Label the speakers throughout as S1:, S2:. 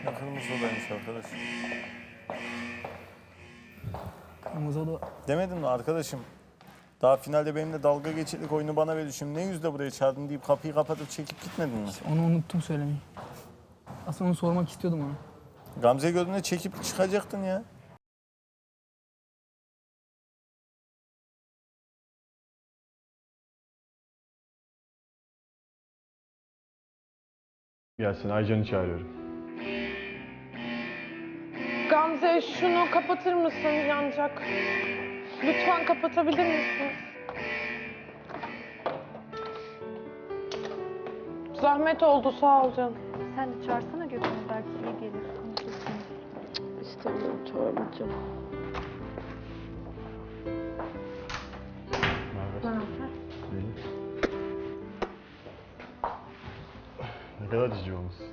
S1: Ne kırmızı odaymış arkadaş.
S2: Kırmızı oda.
S1: Demedim mi arkadaşım? Daha finalde benimle dalga geçirdik, oyunu bana verdi. Şimdi ne yüzle buraya çağırdın deyip kapıyı kapatıp çekip gitmedin mi?
S2: Onu unuttum söylemeyi. Aslında onu sormak istiyordum ona.
S1: Gamze gördüğünde çekip çıkacaktın ya.
S3: Gelsin, Aycan'ı çağırıyorum.
S4: Gamze şunu kapatır mısın? Yanacak. Lütfen kapatabilir misiniz? Zahmet oldu, sağ ol canım.
S5: Sen de çağırsana Gökhan'ı, belki iyi gelir. Konuşursunuz.
S4: İstemiyorum, çağırmayacağım.
S3: Ne haber? İyi. Ne kadar cici olmuşsun.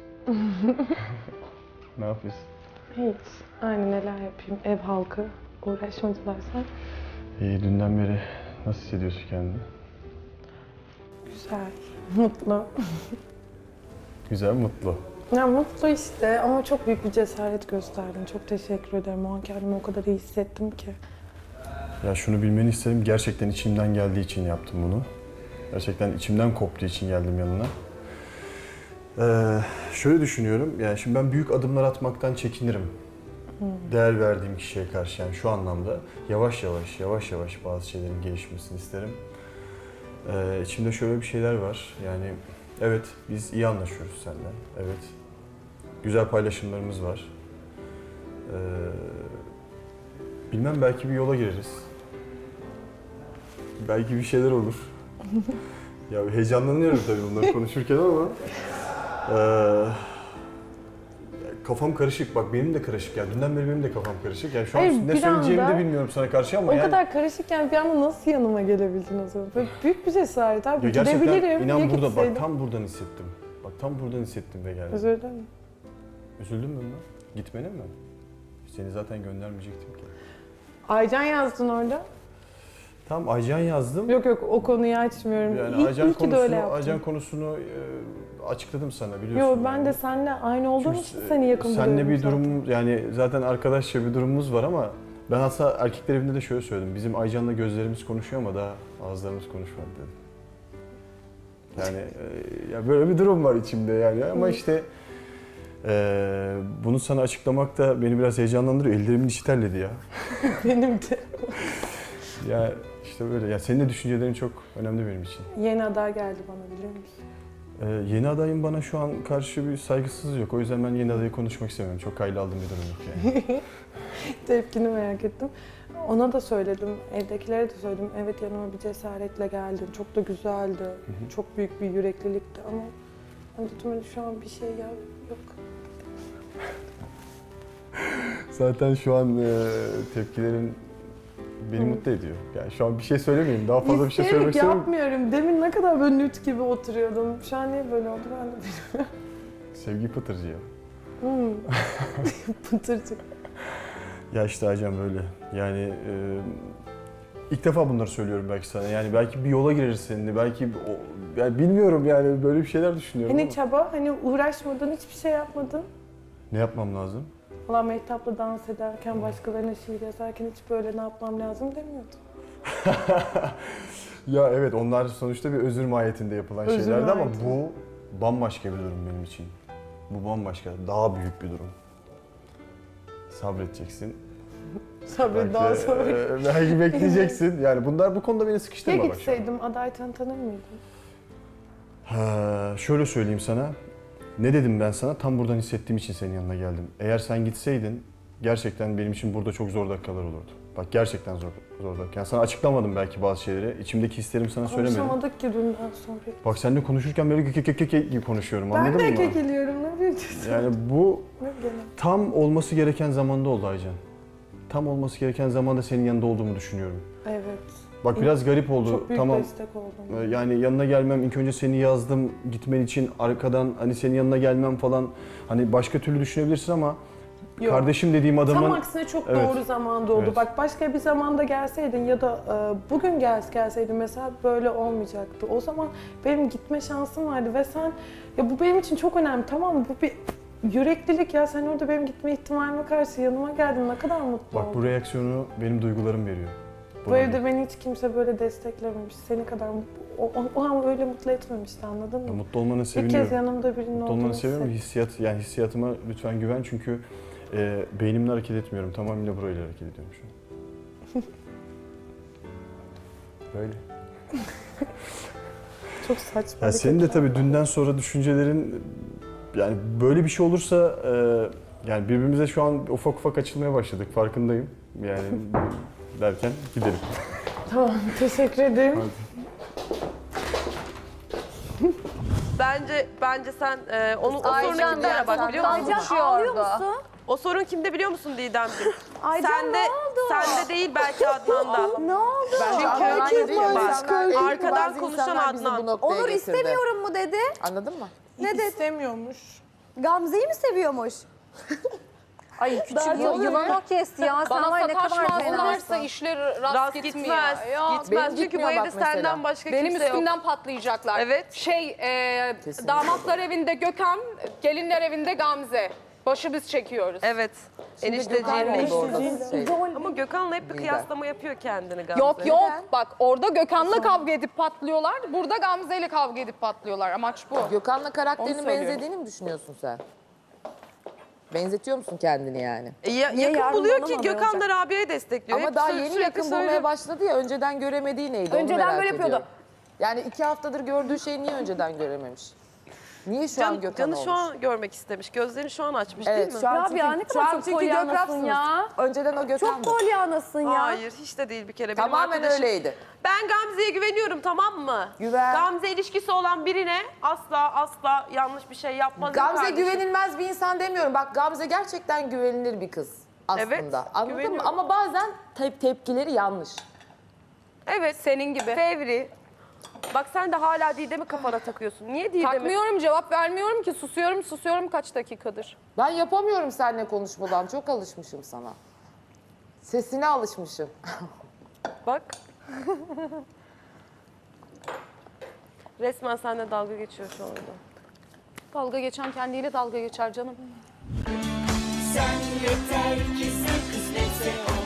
S3: Ne yapıyorsun?
S4: Hiç. Aynı neler yapayım. Ev halkı. Uğraşmadılar sen.
S3: İyi, dünden beri nasıl hissediyorsun kendini?
S4: Güzel. Mutlu.
S3: Güzel, mutlu.
S4: Ya mutlu işte ama çok büyük bir cesaret gösterdin. Çok teşekkür ederim. O an kendimi o kadar iyi hissettim ki.
S3: Ya şunu bilmeni isterim, gerçekten içimden geldiği için yaptım bunu. Gerçekten içimden koptuğu için geldim yanına. Şöyle düşünüyorum, yani şimdi ben büyük adımlar atmaktan çekinirim. Değer verdiğim kişiye karşı, yani şu anlamda yavaş yavaş bazı şeylerin gelişmesini isterim. İçimde şöyle bir şeyler var, yani evet biz iyi anlaşıyoruz seninle, evet güzel paylaşımlarımız var. Bilmem, belki bir yola gireriz. Belki bir şeyler olur. Ya heyecanlanıyorum tabii bunları konuşurken ama kafam karışık. Bak benim de karışık ya. Dünden beri benim de kafam karışık. Yani şu an
S4: Hayır,
S3: ne
S4: bir
S3: söyleyeceğimi
S4: anda
S3: de bilmiyorum sana karşı ama
S4: O
S3: yani
S4: kadar karışıkken bir anda nasıl yanıma gelebildin o zaman? Böyle büyük bir cesaret abi.
S3: ya gerçekten
S4: Gidebilirim.
S3: inan
S4: Ya
S3: burada
S4: gitseydim.
S3: bak tam buradan hissettim. Bak tam buradan hissettim ve geldim.
S4: Özür dilerim.
S3: Üzüldün mü bundan? Gitmene mi? Seni zaten göndermeyecektim ki.
S4: Aycan yazdın orada.
S3: Tam Aycan yazdım.
S4: Yok o konuyu açmıyorum.
S3: Yani
S4: İyi,
S3: Aycan
S4: iyi ki de öyle yaptın.
S3: Aycan konusunu açıkladım sana, biliyorsun.
S4: Yok ben
S3: yani.
S4: de seninle aynı olduğum
S3: Çünkü
S4: için seni yakın buluyorum
S3: seninle bir
S4: zaten.
S3: durum, yani zaten arkadaşça bir durumumuz var ama ben aslında erkekler evinde de şöyle söyledim. Bizim Aycan'la gözlerimiz konuşuyor ama daha ağızlarımız konuşmadı dedim. Yani ya böyle bir durum var içimde yani ama işte bunu sana açıklamak da beni biraz heyecanlandırıyor. Ellerimin içi terledi ya.
S4: Benim de.
S3: Ya işte böyle. Ya senin de düşüncelerin çok önemli benim için.
S4: Yeni aday geldi bana, biliyor musun?
S3: Yeni adayın bana şu an karşı bir saygısızlığı yok. O yüzden ben yeni adayı konuşmak istemiyorum. Çok kaylı aldığım bir durum yok yani.
S4: Tepkini merak ettim. Ona da söyledim, evdekilere de söyledim. Evet, yanıma bir cesaretle geldin. Çok da güzeldi. Çok büyük bir yüreklilikti ama hani dedim hani şu an bir şey yok.
S3: Zaten şu an tepkilerin beni mutlu ediyor. Yani şu an bir şey söylemeyeyim. Daha fazla bir şey söylemek
S4: İsteyerek
S3: istemiyorum.
S4: yapmıyorum. Demin ne kadar böyle nüt gibi oturuyordum. Şu an niye böyle oldu ben de bilmiyorum.
S3: Sevgi pıtırcı ya.
S4: Pıtırcık.
S3: Ya işte Aycan böyle. Yani ilk defa bunları söylüyorum belki sana. Yani belki bir yola gireriz seninle. Belki yani bilmiyorum, yani böyle bir şeyler düşünüyorum
S4: Hani
S3: ama.
S4: çaba, hani uğraşmadın, hiçbir şey yapmadın.
S3: Ne yapmam lazım?
S4: Valla Mehtap'la dans ederken, başkalarına şiir yazarken hiç böyle ne yapmam lazım demiyordum.
S3: Ya evet, onlar sonuçta bir özür mahiyetinde yapılan
S4: Özür
S3: şeylerdi ama
S4: mahiyeti.
S3: bu bambaşka bir durum benim için. Bu bambaşka, daha büyük bir durum. Sabredeceksin.
S4: Sabret daha sonra.
S3: Belki bekleyeceksin. Yani bunlar bu konuda beni
S4: Ya
S3: sıkıştırma bak.
S4: gitseydim adaytan tanır mıydın?
S3: Şöyle söyleyeyim sana. Ne dedim ben sana? Tam buradan hissettiğim için senin yanına geldim. Eğer sen gitseydin gerçekten benim için burada çok zor dakikalar olurdu. Bak gerçekten zor dakikalar. Yani sana açıklamadım belki bazı şeyleri. İçimdeki hislerimi sana söylemedim.
S4: Konuşamadık ki dünden sonra.
S3: Bak seninle konuşurken böyle gibi konuşuyorum,
S4: Ben
S3: anladın
S4: de
S3: mı?
S4: kekeliyorum, ne yapıyorsun?
S3: Yani bu
S4: Ne gene?
S3: tam olması gereken zamanda oldu Aycan. Tam olması gereken zamanda senin yanında olduğumu düşünüyorum.
S4: Evet.
S3: Bak biraz garip oldu.
S4: Çok büyük
S3: Tamam.
S4: destek oldum.
S3: Yani yanına gelmem, ilk önce seni yazdım gitmen için, arkadan hani senin yanına gelmem falan, hani başka türlü düşünebilirsin ama
S4: Yok.
S3: kardeşim dediğim adamın...
S4: Tam aksine çok
S3: Evet.
S4: doğru zamanda oldu.
S3: Evet.
S4: Bak başka bir zamanda gelseydin ya da bugün gelseydin mesela böyle olmayacaktı. O zaman benim gitme şansım vardı ve sen, ya bu benim için çok önemli, tamam mı? Bu bir yüreklilik ya. Sen orada benim gitme ihtimalime karşı yanıma geldin. Ne kadar mutlu
S3: Bak
S4: oldum.
S3: bu reaksiyonu benim duygularım veriyor.
S4: Bu evde beni hiç kimse böyle desteklememiş. Seni kadar o an öyle mutlu etmemişti, anladın
S3: Ya
S4: mı?
S3: mutlu olmanı
S4: İlk
S3: seviniyorum.
S4: kez yanımda birinin
S3: Mutlu
S4: olduğunu
S3: olmanı seviyorum.
S4: hissettim.
S3: Hissiyatıma lütfen güven çünkü beynimle hareket etmiyorum. Tamamıyla burayla hareket ediyorum şu an. Böyle.
S4: Çok saçma.
S3: Ya senin de tabii dünden sonra düşüncelerin yani böyle bir şey olursa yani birbirimize şu an ufak ufak açılmaya başladık farkındayım. Yani derken gidelim.
S4: Tamam, teşekkür ederim.
S6: Bence sen o sorunu kimde ara bak biliyor musun?
S7: Aycan ağlıyor musun?
S6: O sorun kimde biliyor musun Didemciğim?
S7: Aycan
S6: Sende,
S7: ne oldu?
S6: sende değil belki Adnan'da.
S7: Ne oldu?
S6: Çünkü
S4: Herkes
S6: arkadan konuşan Adnan.
S7: Onur istemiyorum mu dedi.
S8: Anladın mı?
S7: Ne dedi?
S4: İstemiyormuş.
S7: Gamze'yi mi seviyormuş?
S9: Ay küçük
S7: Yılan o kesti ya. Sen
S9: Bana
S7: var ya ne kadar
S9: sataşmazlarsa
S7: fenasın.
S9: işler rast,
S6: Rast
S9: gitmiyor.
S6: gitmez.
S9: Ya,
S6: Gitmez
S8: benim
S6: çünkü bu
S8: gitmiyor
S6: evde
S8: bak mesela.
S6: senden başka
S9: Benim
S6: kimse yok.
S9: üstümden patlayacaklar.
S6: Evet.
S8: Kesinlikle.
S9: Damatlar evinde Gökhan, gelinler evinde Gamze. Başı biz çekiyoruz.
S6: Evet.
S8: Gökhan
S6: Enişteciğim.
S8: oldu orada şey.
S6: Ama Gökhan'la hep bir kıyaslama yapıyor kendini Gamze.
S9: Yok yok bak orada Gökhan'la kavga edip patlıyorlar. Burada Gamze'yle kavga edip patlıyorlar. Amaç bu.
S8: Gökhan'la
S9: Onu
S8: karakterinin
S9: söylüyorum.
S8: benzediğini mi düşünüyorsun sen? Benzetiyor musun kendini yani?
S6: Yakın
S7: yarın
S6: buluyor
S7: bana
S6: ki
S7: mı
S6: Gökhan da Rabia'yı destekliyor.
S8: Ama
S6: Hep
S8: daha
S6: sürekli
S8: yeni yakın
S6: söylüyor.
S8: bulmaya başladı ya, önceden göremediği neydi
S7: Önceden
S8: onu merak
S7: böyle yapıyordu.
S8: ediyorum. Yani 2 haftadır gördüğü şeyi niye önceden görememiş? Niye şu an Gökhan
S6: Canı
S8: olmuş?
S6: şu an görmek istemiş. Gözlerini şu an açmış
S8: Evet,
S6: değil mi?
S8: şu an
S7: Rabia, ne kadar çok polyanasın ya.
S8: Önceden o Gökhan
S7: Çok polyanasın ya.
S6: Hayır hiç de değil bir kere. Benim
S8: Tamamen
S6: arkadaşım-
S8: öyleydi.
S6: Ben Gamze'ye güveniyorum tamam mı?
S8: Güven.
S6: Gamze ilişkisi olan birine asla yanlış bir şey yapmaz.
S8: Gamze
S6: kardeşim.
S8: güvenilmez bir insan demiyorum. Bak Gamze gerçekten güvenilir bir kız aslında.
S6: Evet,
S8: Anladın mı?
S6: güveniyorum.
S8: Ama bazen tepkileri yanlış.
S6: Evet.
S9: Senin gibi.
S6: Fevri. Bak sen de hala Didem'i kafana takıyorsun. Niye Didem'i?
S9: Takmıyorum cevap vermiyorum ki susuyorum kaç dakikadır.
S8: Ben yapamıyorum seninle konuşmadan. Çok alışmışım sana. Sesine alışmışım.
S6: Bak. Resmen seninle dalga geçiyor şu anda.
S9: Dalga geçen kendiyle dalga geçer canım.
S10: Sen yeter ki sen kısmetse ol.